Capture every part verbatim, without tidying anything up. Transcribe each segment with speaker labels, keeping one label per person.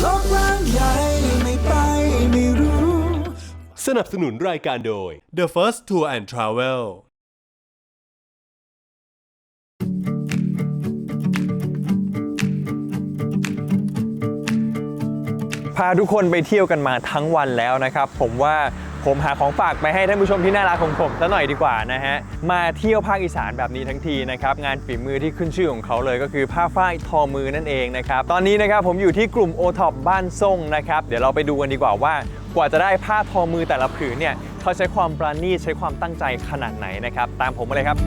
Speaker 1: โลกกว้างใหญ่ไม่ไปไม่รู้
Speaker 2: สนับสนุนรายการโดย The First Tour and Travel
Speaker 3: พาทุกคนไปเที่ยวกันมาทั้งวันแล้วนะครับผมว่าผมหาของฝากไปให้ท่านผู้ชมที่น่ารักของผมซะหน่อยดีกว่านะฮะมาเที่ยวภาคอีสานแบบนี้ทั้งทีนะครับงานฝีมือที่ขึ้นชื่อของเขาเลยก็คือผ้าฝ้ายทอมือนั่นเองนะครับตอนนี้นะครับผมอยู่ที่กลุ่ม โอ ท็อป บ้านส่งนะครับเดี๋ยวเราไปดูกันดีกว่าว่ากว่าจะได้ผ้าทอมือแต่ละผืนเนี่ยเขาใช้ความปราณีตใช้ความตั้งใจขนาดไหนนะครับตามผมมาเลยครับ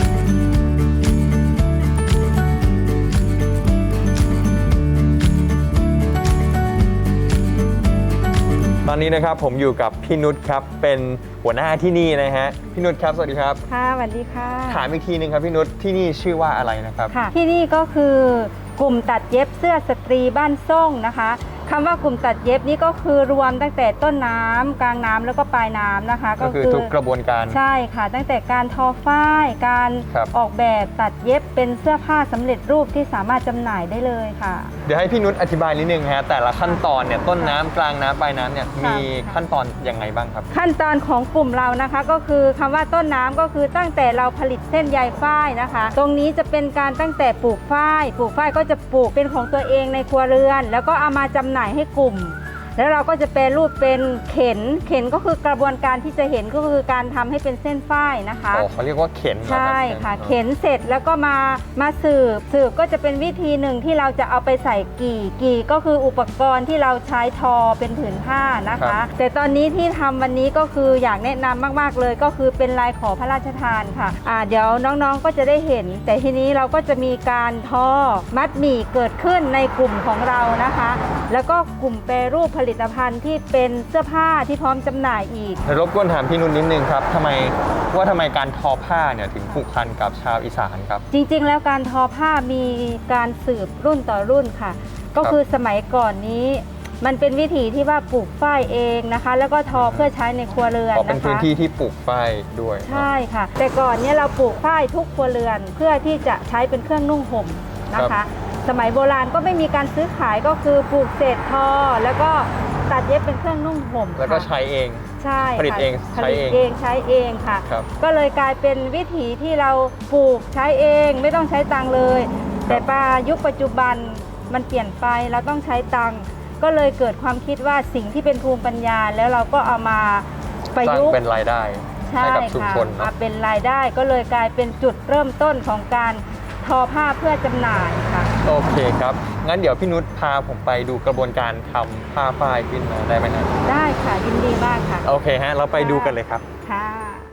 Speaker 3: ตอนนี้นะครับผมอยู่กับพี่นุชครับเป็นหัวหน้าที่นี่นะฮะพี่นุชครับสวัสดีครับ
Speaker 4: ค่ะสวัสดีค่ะ
Speaker 3: ถามอีกทีนึงครับพี่นุชที่นี่ชื่อว่าอะไรนะครับ
Speaker 4: ค่ะที่นี่ก็คือกลุ่มตัดเย็บเสื้อสตรีบ้านส่งนะคะคำว่ากลุ่มตัดเย็บนี่ก็คือรวมตั้งแต่ต้นน้ำกลางน้ำแล้วก็ปลายน้ำนะคะ
Speaker 3: ก็คือทุกกระบวนการ
Speaker 4: ใช่ค่ะตั้งแต่การทอฝ้ายการออกแบบตัดเย็บเป็นเสื้อผ้าสำเร็จรูปที่สามารถจำหน่ายได้เลยค่ะ
Speaker 3: เดี๋ยวให้พี่นุชอธิบายนิดนึงฮะแต่ละขั้นตอนเนี่ยต้นน้ำกลางน้ำปลายน้ำเนี่ยมีขั้นตอนยังไงบ้างครับ
Speaker 4: ขั้นตอนของกลุ่มเรานะคะก็คือคำว่าต้นน้ำก็คือตั้งแต่เราผลิตเส้นใยฝ้ายนะคะตรงนี้จะเป็นการตั้งแต่ปลูกฝ้ายปลูกฝ้ายก็จะปลูกเป็นของตัวเองในครัวเรือนแล้วก็เอามาจำหน่ายให้กลุ่มแล้วเราก็จะแปรรูปเป็นเข็นเข็นก็คือกระบวนการที่จะเห็นก็คือการทำให้เป็นเส้นฝ้ายนะคะ
Speaker 3: อ๋อเขาเรียกว่าเข็น
Speaker 4: ใช่ค่ะเข็นเสร็จแล้วก็มามาสืบสืบก็จะเป็นวิธีหนึ่งที่เราจะเอาไปใส่กี่กี่ก็คืออุปกรณ์ที่เราใช้ทอเป็นผืนผ้านะคะแต่ตอนนี้ที่ทำวันนี้ก็คืออยากแนะนำมากๆเลยก็คือเป็นลายขอพระราชทานค่ะอ่าเดี๋ยวน้องๆก็จะได้เห็นแต่ทีนี้เราก็จะมีการทอมัดหมี่เกิดขึ้นในกลุ่มของเรานะคะแล้วก็กลุ่มแปรรูปผลิตภัณฑ์ที่เป็นเสื้อผ้าที่พร้อมจำหน่ายอีก
Speaker 3: รบกวนถามพี่นุ่นนิดนึงครับทำไมว่าทำไมการทอผ้าเนี่ยถึงผูกพันกับชาวอีสานครับ
Speaker 4: จริงๆแล้วการทอผ้ามีการสืบรุ่นต่อรุ่นค่ะก็คือสมัยก่อนนี้มันเป็นวิถีที่ว่าปลูกฝ้ายเองนะคะแล้วก็ทอเพื่อใช้ในครัวเรือนนะคะ
Speaker 3: เป็นพื้นที่ที่ปลูกฝ้ายด้วย
Speaker 4: ใช่ค่ะแต่ก่อนเนี่ยเราปลูกฝ้ายทุกครัวเรือนเพื่อที่จะใช้เป็นเครื่องนุ่งห่มนะคะสมัยโบราณก็ไม่มีการซื้อขายก็คือปลูกเศษทอแล้วก็ตัดเย็บเป็นเครื่องนุ่งห่ม
Speaker 3: แล้วก็ใช้เอง
Speaker 4: ใช่
Speaker 3: ผลิตเอง
Speaker 4: ใช้เองเองใช้เองค่ะก็เลยกลายเป็นวิถีที่เราปลูกใช้เองไม่ต้องใช้ตังค์เลยแต่ปัจยุคปัจจุบันมันเปลี่ยนไปเราต้องใช้ตังค์ก็เลยเกิดความคิดว่าสิ่งที่เป็นภูมิปัญญาแล้วเราก็เอามาประยุกต์
Speaker 3: เป็นรายได้ให้กับชุมชน
Speaker 4: มาเป็นรายได้ก็เลยกลายเป็นจุดเริ่มต้นของการทอผ้าเพื่อจำหน่ายค่ะ
Speaker 3: โอเคครับงั้นเดี๋ยวพี่นุชพาผมไปดูกระบวนการทำผ้าฝ้ายขึ้นมาได้ไหมนะ
Speaker 4: ได้ค่ะยินดีมากค่ะ
Speaker 3: โอเคฮะเราไปดูกันเลยครับ
Speaker 4: ค่ะ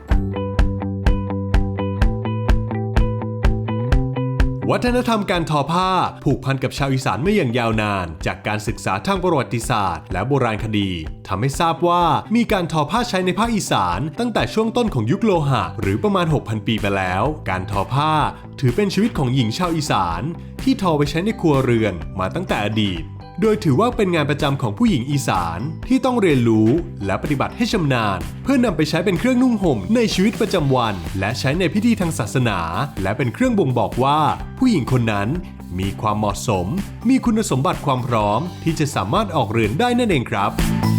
Speaker 2: วัฒนธรรมการทอผ้าผูกพันกับชาวอีสานมาอย่างยาวนานจากการศึกษาทางประวัติศาสตร์และโบราณคดีทำให้ทราบว่ามีการทอผ้าใช้ในภาคอีสานตั้งแต่ช่วงต้นของยุคโลหะหรือประมาณ หกพัน ปีไปแล้วการทอผ้าถือเป็นชีวิตของหญิงชาวอีสานที่ทอไปใช้ในครัวเรือนมาตั้งแต่อดีตโดยถือว่าเป็นงานประจำของผู้หญิงอีสานที่ต้องเรียนรู้และปฏิบัติให้ชำนาญเพื่อนำไปใช้เป็นเครื่องนุ่งห่มในชีวิตประจำวันและใช้ในพิธีทางศาสนาและเป็นเครื่องบ่งบอกว่าผู้หญิงคนนั้นมีความเหมาะสมมีคุณสมบัติความพร้อมที่จะสามารถออกเรือนได้นั่นเองครับ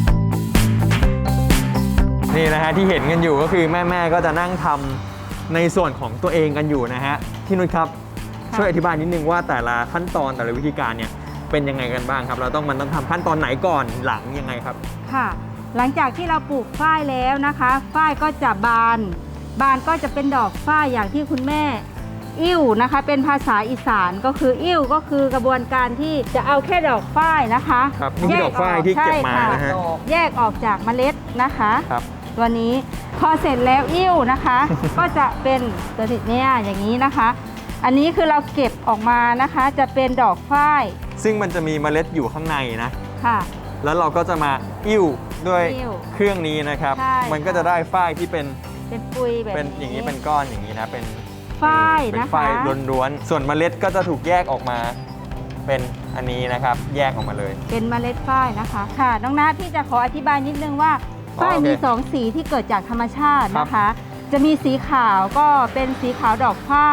Speaker 3: นี่นะฮะที่เห็นกันอยู่ก็คือแม่ๆก็จะนั่งทำในส่วนของตัวเองกันอยู่นะฮะพี่นุชครับช่วยอธิบายนิดนึงว่าแต่ละขั้นตอนแต่ละวิธีการเนี่ยเป็นยังไงกันบ้างครับเราต้องมันต้องทำขั้นตอนไหนก่อนหลังยังไงครับ
Speaker 4: ค่ะหลังจากที่เราปลูกฝ้ายแล้วนะคะฝ้ายก็จะบานบานก็จะเป็นดอกฝ้ายอย่างที่คุณแม่อิ่วนะคะเป็นภาษาอีสานก็คืออิ่วก็คือกระบวนการที่จะเอาแค่ดอกฝ้ายนะคะ
Speaker 3: ครับนี่คือดอกฝ้ายที่เก็บมานะฮะ
Speaker 4: แยกออกจากเมล็ดนะคะครับตัวนี้พอเสร็จแล้วอิ่วนะคะ ก็จะเป็นตัวติดเนี่ยอย่างนี้นะคะอันนี้คือเราเก็บออกมานะคะจะเป็นดอกฝ้าย
Speaker 3: ซึ่งมันจะมีเมล็ดอยู่ข้างในนะ
Speaker 4: ค่ะ
Speaker 3: แล้วเราก็จะมาอิ่วด้วยเครื่องนี้นะครับมันก็จะได้ฝ้ายที่เป็น
Speaker 4: เป็นปุยแบบ
Speaker 3: เป็นอย่างนี้เป็นก้อนอย่างนี้นะเป็น
Speaker 4: ฝ้ายนะคะ
Speaker 3: เป็นฝ้ายล้วนๆส่วนเมล็ดก็จะถูกแยกออกมาเป็นอันนี้นะครับแยกออกมาเลย
Speaker 4: เป็นเมล็ดฝ้ายนะคะค่ะน้องน้าพี่จะขออธิบายนิดนึงว่าฝ้ายมีสองสีที่เกิดจากธรรมชาตินะคะจะมีสีขาวก็เป็นสีขาวดอกฝ้าย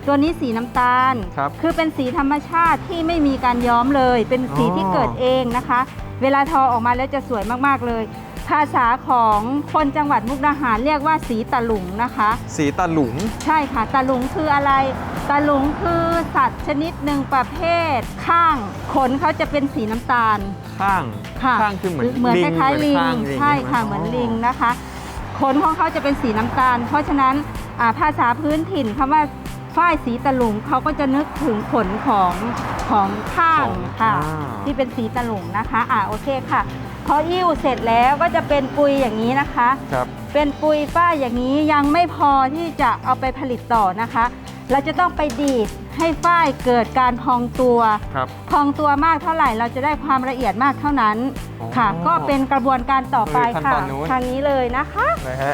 Speaker 4: ตัวนี้สีน้ำตาล
Speaker 3: ครับ
Speaker 4: คือเป็นสีธรรมชาติที่ไม่มีการย้อมเลย เป็นสี
Speaker 3: อ๋อ
Speaker 4: ที่เกิดเองนะคะ เวลาทอออกมาแล้วจะสวยมากๆเลย ภาษาของคนจังหวัดมุกดาหารเรียกว่าสีตะหลุงนะคะ
Speaker 3: สีตะหลุง
Speaker 4: ใช่ค่ะตะหลุงคืออะไรตะหลุงคือสัตว์ชนิดหนึ่งประเภทข้างขนเขาจะเป็นสีน้ำตาล
Speaker 3: ข้าง
Speaker 4: ค่ะ
Speaker 3: ข้างคือเหมือน
Speaker 4: เหมือน
Speaker 3: ลิ
Speaker 4: ค
Speaker 3: ง
Speaker 4: ล้ายๆลิง
Speaker 3: ข้าง
Speaker 4: ใช่ค่ะ
Speaker 3: ไห
Speaker 4: เหมือนลิงนะคะ ขนของเขาจะเป็นสีน้ำตาล เพราะฉะนั้นอ่าภาษาพื้นถิ่นคำว่าฝ้ายสีตะหลุงเขาก็จะนึกถึงขนของของข้างค่ะที่เป็นสีตะหลุงนะคะอ่าโอเคค่ะพออิ่วเสร็จแล้วก็จะเป็นปุยอย่างนี้นะคะ
Speaker 3: ครับ
Speaker 4: เป็นปุยฝ้ายอย่างนี้ยังไม่พอที่จะเอาไปผลิตต่อนะคะ เราจะต้องไปดีดให้ฝ้ายเกิดการพองตัว
Speaker 3: ครับ
Speaker 4: พองตัวมากเท่าไหร่เราจะได้ความละเอียดมากเท่านั้น
Speaker 3: อ๋อ
Speaker 4: ค่ะ ก็เป็นกระบวนการต่อไป
Speaker 3: คือขั้น
Speaker 4: ค่ะ
Speaker 3: ตอนนู้น
Speaker 4: ทางนี้เลยนะคะ
Speaker 3: นะฮะ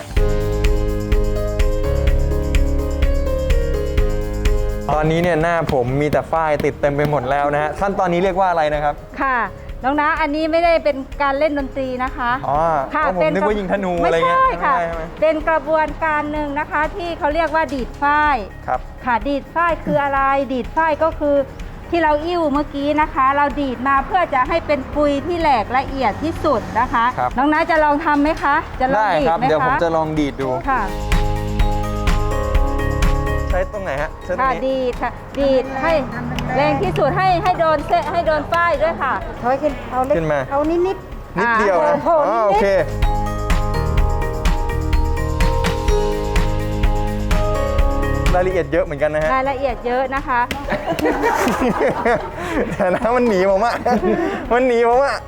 Speaker 3: ตอนนี้เนี่ยหน้าผมมีแต่ฝ้ายติดเต็มไปหมดแล้วนะฮะขั้นตอนนี้เรียกว่าอะไรนะครับ
Speaker 4: ค่ะน้องนะอันนี้ไม่ได้เป็นการเล่นดนตรีนะคะ
Speaker 3: อ๋อ
Speaker 4: ค่ะ
Speaker 3: ผมนึกว่ายิงธนูอะไรเงี้ย
Speaker 4: ไม่ใช่ค่ะ
Speaker 3: ไม่ใช่ไหม
Speaker 4: เป็นกระบวนการหนึ่งนะคะที่เขาเรียกว่าดีดฝ้าย
Speaker 3: ครับ
Speaker 4: ค่ะดีดฝ้ายคืออะไร ดีดฝ้ายก็คือที่เราอิ่วเมื่อกี้นะคะ เราดีดมาเพื่อจะให้เป็นปุยที่แหลกละเอียดที่สุดนะคะ
Speaker 3: ครับ
Speaker 4: น้องนะจะลองทำไหมคะ จะลอง
Speaker 3: ได้
Speaker 4: ดีด
Speaker 3: ครับ
Speaker 4: ไหมคะ
Speaker 3: เดี๋ยวผมจะลองดีดดู
Speaker 4: ค่ะ
Speaker 3: ใช้ตรงไหนฮะใช้ตรง
Speaker 4: ค่ะ
Speaker 3: นี้
Speaker 4: ดีดค่ะดีดให้แรงที่สุดให้ให้โดนเส้นให้โดนป้ายด้วยค่ะถอยขึ้นเอาเล็ก
Speaker 3: ขึ้นมา
Speaker 4: เอานิดนิด
Speaker 3: นิดเดียวนะ
Speaker 4: โอ้
Speaker 3: อ๋อ
Speaker 4: โห
Speaker 3: โอ
Speaker 4: นิด
Speaker 3: เค รายละเอียดเยอะเหมือนกันนะฮะ
Speaker 4: รายละเอียดเยอะนะคะ
Speaker 3: แต่นะมันหนีผมอะมันหนีผมอะ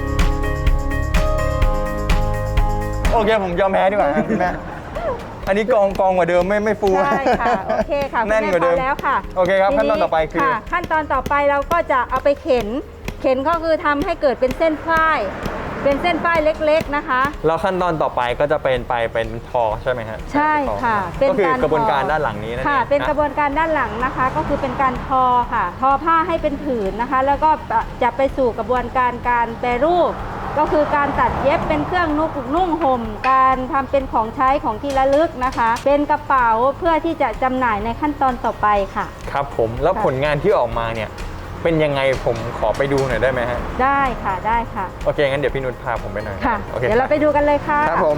Speaker 3: โอเคผมยอมแพ้ดีกว่าครับพี่แม่อันนี้กองกองกว่าเดิมไม่ไม่ฟู
Speaker 4: ใช่ค่ะโอเคค่ะ
Speaker 3: แน่นกว่าเดิม
Speaker 4: คุณแพอแล้วค่ะ
Speaker 3: โอเคครับ
Speaker 4: ที
Speaker 3: ขั้นตอนต่อไปคือ
Speaker 4: ค่ะขั้นตอนต่อไปเราก็จะเอาไปเข็น เข็นก็คือทำให้เกิดเป็นเส้นฝ้าย เป็นเส้นฝ้ายเล็กๆนะคะ
Speaker 3: แล้วขั้นตอนต่อไปก็จะเป็นไปเป็นทอใช่ไหมฮะ
Speaker 4: ใช่ค่ะ
Speaker 3: ก็คือกระบวนการ
Speaker 4: ทอ
Speaker 3: ด้านหลังนี้นั่นเอง
Speaker 4: ค่ะ เป็นกระบ
Speaker 3: น
Speaker 4: วนการด้านหลังนะคะ ก็คือเป็นการทอค่ะ ทอผ้าให้เป็นผืนนะคะ แล้วก็จะไปสู่กระบวนการการแปรรูป ก็คือการตัดเย็บเป็นเครื่องนุ่งนุ่งห่ม การทำเป็นของใช้ของที่ระลึกนะคะ เป็นกระเป๋าเพื่อที่จะจำหน่ายในขั้นตอนต่อไปค่ะ
Speaker 3: ครับผมแล้ว
Speaker 4: ค่ะ
Speaker 3: ผลงานที่ออกมาเนี่ยเป็นยังไงผมขอไปดูหน่อยได้ไหมฮะ
Speaker 4: ได้ค่ะได้ค่ะ
Speaker 3: โอเคงั้นเดี๋ยวพี่นุชพาผมไปหน่อย
Speaker 4: ค่ะ
Speaker 3: โอเค
Speaker 4: เดี๋ยวเราไปดูกันเลยค่ะ
Speaker 3: ครับผม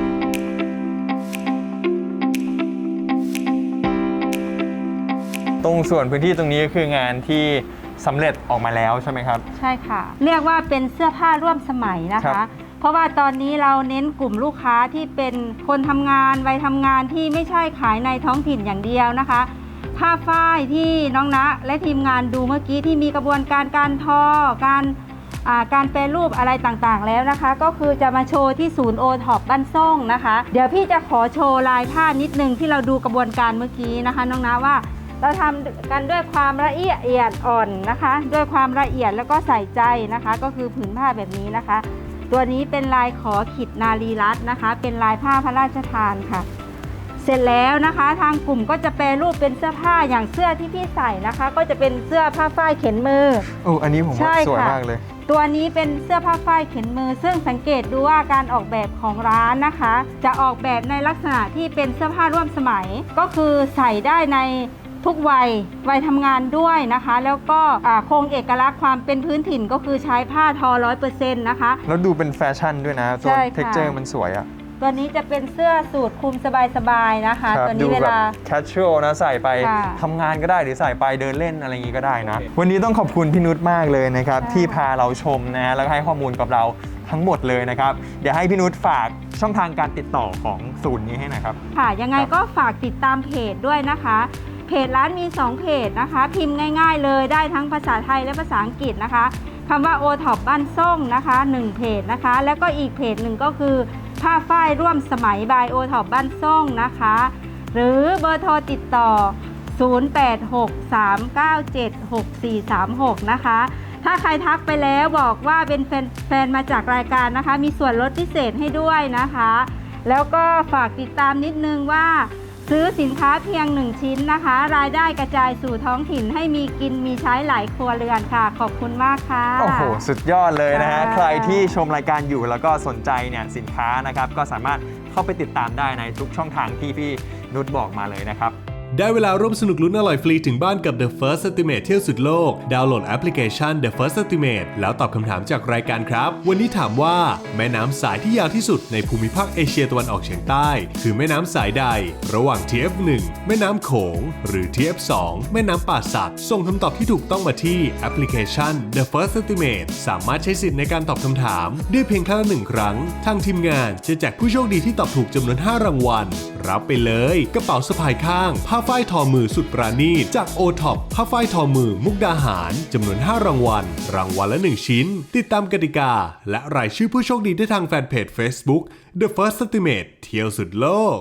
Speaker 3: ตรงส่วนพื้นที่ตรงนี้ก็คืองานที่สำเร็จออกมาแล้วใช่ไหมครับ
Speaker 4: ใช่ค่ะ เรียกว่าเป็นเสื้อผ้าร่วมสมัยนะ
Speaker 3: ครั
Speaker 4: คะ
Speaker 3: บ
Speaker 4: เพราะว่าตอนนี้เราเน้นกลุ่มลูกค้าที่เป็นคนทำงานวัยทำงานที่ไม่ใช่ขายในท้องถิ่นอย่างเดียวนะคะ ผ้าฝ้ายที่น้องณและทีมงานดูเมื่อกี้ที่มีกระบวนการการทอ การอ่าการแปรรูปอะไรต่างๆแล้วนะคะ ก็คือจะมาโชว์ที่ศูนย์โอท็อปบ้านซ่งนะคะ เดี๋ยวพี่จะขอโชว์ลายผ้านิดนึงที่เราดูกระบวนการเมื่อกี้นะคะน้องณว่า เราทำกันด้วยความละเอียดอ่อนนะคะ ด้วยความละเอียดแล้วก็ใส่ใจนะคะ ก็คือผืนผ้าแบบนี้นะคะ ตัวนี้เป็นลายขอขิดนารีรัตน์นะคะ เป็นลายผ้าพระราชทานค่ะ เสร็จแล้วนะคะ ทางกลุ่มก็จะแปรรูปเป็นเสื้อผ้าอย่างเสื้อที่พี่ใส่นะคะ ก็จะเป็นเสื้อผ้าฝ้ายเข็นมือ
Speaker 3: โอ้อันนี้ผม
Speaker 4: ใช่
Speaker 3: ว่าสวย
Speaker 4: ค่ะ
Speaker 3: มากเลย
Speaker 4: ตัวนี้เป็นเสื้อผ้าฝ้ายเข็นมือ ซึ่งสังเกตดูว่าการออกแบบของร้านนะคะ จะออกแบบในลักษณะที่เป็นเสื้อผ้าร่วมสมัย ก็คือใส่ได้ในทุกวัยวัยทำงานด้วยนะคะ แล้วก็อ่าคงเอกลักษณ์ความเป็นพื้นถิ่นก็คือใช้ผ้าทอ ร้อยเปอร์เซ็นต์ นะคะ
Speaker 3: แล้วดูเป็นแฟชั่นด้วยนะตัว
Speaker 4: ใช่ค่ะ
Speaker 3: เท็กเจอร์มันสวยอะ
Speaker 4: ตัวนี้จะเป็นเสื้อสูทคลุมสบายๆนะคะ
Speaker 3: ครับ
Speaker 4: ตัว
Speaker 3: ดู
Speaker 4: นี้เว
Speaker 3: แบบ
Speaker 4: ลา
Speaker 3: แคชชวลนะใส่ไป
Speaker 4: ค่ะ
Speaker 3: ทำงานก็ได้หรือใส่ไปเดินเล่นอะไรอย่างนี้ก็ได้นะ วันนี้ต้องขอบคุณพี่นุชมากเลยนะครับ
Speaker 4: ค่ะ
Speaker 3: ที่พาเราชมนะแล้วก็ให้ข้อมูลกับเราทั้งหมดเลยนะครับ เดี๋ยวให้พี่นุชฝากช่องทางการติดต่อของศูนย์นี้ให้หน่อยครับ
Speaker 4: ค่ะยังไง
Speaker 3: ครับ
Speaker 4: ก็ฝากติดตามเพจด้วยนะคะ เพจร้านมีสองเพจนะคะ พิมพ์ง่ายๆเลยได้ทั้งภาษาไทยและภาษาอังกฤษนะคะคำว่า โอ ท็อป บ้านซ่งนะคะหนึ่งเพจนะคะ แล้วก็อีกเพจหนึ่งก็คือผ้าฝ้ายร่วมสมัยบาย โอ ท็อป บ้านซ่งนะคะ หรือเบอร์โทรติดต่อ ศูนย์ แปด หก สาม เก้า เจ็ด หก สี่ สาม หก นะคะ ถ้าใครทักไปแล้วบอกว่าเป็นแฟนแฟนมาจากรายการนะคะ มีส่วนลดพิเศษให้ด้วยนะคะ แล้วก็ฝากติดตามนิดนึงว่า ซื้อสินค้าเพียงหนึ่งชิ้นนะคะ รายได้กระจายสู่ท้องถิ่นให้มีกินมีใช้หลายครัวเรือนค่ะ ขอบคุณมากค่ะ
Speaker 3: โอ้โห สุดยอดเลยนะฮะ
Speaker 4: ค่ะ
Speaker 3: ใครที่ชมรายการอยู่แล้วก็สนใจเนี่ยสินค้านะครับ ก็สามารถเข้าไปติดตามได้ในทุกช่องทางที่พี่นุชบอกมาเลยนะครับ
Speaker 2: ได้เวลาร่วมสนุกลุ้นอร่อยฟรีถึงบ้านกับ The First Estimate เที่ยวสุดโลกดาวน์โหลดแอปพลิเคชัน The First Estimate แล้วตอบคำถามจากรายการครับวันนี้ถามว่าแม่น้ำสายที่ยาวที่สุดในภูมิภาคเอเชียตะวันออกเฉียงใต้คือแม่น้ำสายใดระหว่าง ที เอฟ หนึ่ง แม่น้ำโขงหรือ ที เอฟ สอง แม่น้ำป่าสักส่งคำตอบที่ถูกต้องมาที่แอปพลิเคชัน The First Estimate สามารถใช้สิทธิ์ในการตอบคำถามได้เพียงครั้งละหนึ่งครั้งทางทีมงานจะแจกผู้โชคดีที่ตอบถูกจำนวนห้ารางวัลรับไปเลยกระเป๋าสะพายข้างผ้าฝ้ายทอมือสุดปราณีตจากโอท็อปผ้าฝ้ายทอมือมุกดาหารจำนวนห้ารางวัลรางวัลละหนึ่งชิ้นติดตามกติกาและรายชื่อผู้โชคดีได้ทางแฟนเพจ Facebook The First Estimate เที่ยวสุดโลก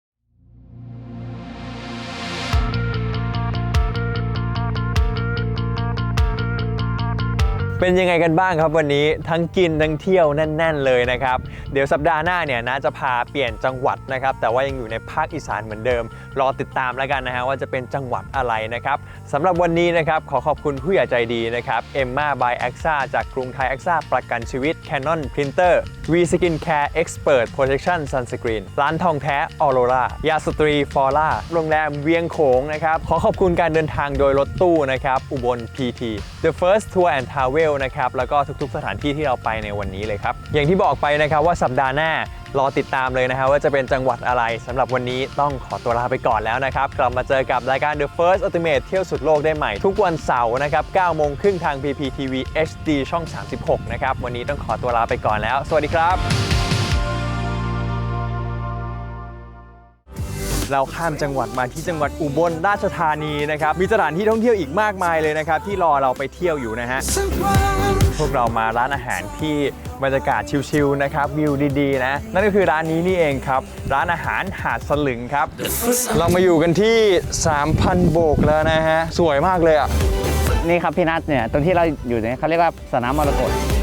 Speaker 3: เป็นยังไงกันบ้างครับวันนี้ทั้งกินทั้งเที่ยวแน่นๆเลยนะครับเดี๋ยวสัปดาห์หน้าเนี่ยนะจะพาเปลี่ยนจังหวัดนะครับแต่ว่ายังอยู่ในภาคอีสานเหมือนเดิมรอติดตามแล้วกันนะฮะว่าจะเป็นจังหวัดอะไรนะครับสำหรับวันนี้นะครับขอขอบคุณผู้ใหญ่ใจดีนะครับเอ็มม่าบายแอคซ่าจากกรุงไทยแอคซ่าประกันชีวิต Canon Printer V Skin Care Expert Protection Sunscreen ร้านทองแท้ออโรรายาสตรีฟอร่าโรงแรมเวียงโขงนะครับขอขอบคุณการเดินทางโดยรถตู้นะครับอุบล พี ที The First Tour and Travelนะครับแล้วก็ทุกๆสถานที่ที่เราไปในวันนี้เลยครับอย่างที่บอกไปนะครับว่าสัปดาห์หน้ารอติดตามเลยนะครับว่าจะเป็นจังหวัดอะไรสำหรับวันนี้ต้องขอตัวลาไปก่อนแล้วนะครับกลับมาเจอกับรายการ The First Ultimate เที่ยวสุดโลกได้ใหม่ทุกวันเสาร์นะครับเก้าโมงครึ่งทาง พี พี ที วี เอช ดี ช่อง สามสิบหกนะครับวันนี้ต้องขอตัวลาไปก่อนแล้วสวัสดีครับเราข้ามจังหวัดมาที่จังหวัดอุบลราชธานีนะครับมีสถานที่ท่องเที่ยวอีกมากมายเลยนะครับที่รอเราไปเที่ยวอยู่นะฮะพวกเรามาร้านอาหารที่บรรยากาศชิลๆนะครับวิวดีๆนะนั่นก็คือร้านนี้นี่เองครับร้านอาหารหาดสลึงครับเรามาอยู่กันที่ สามพัน โบกแล้วนะฮะสวยมากเลยอ่ะ
Speaker 5: นี่ครับพี่นัทเนี่ยตรงที่เราอยู่เนี่ยเขาเรียกว่าสนามมรกต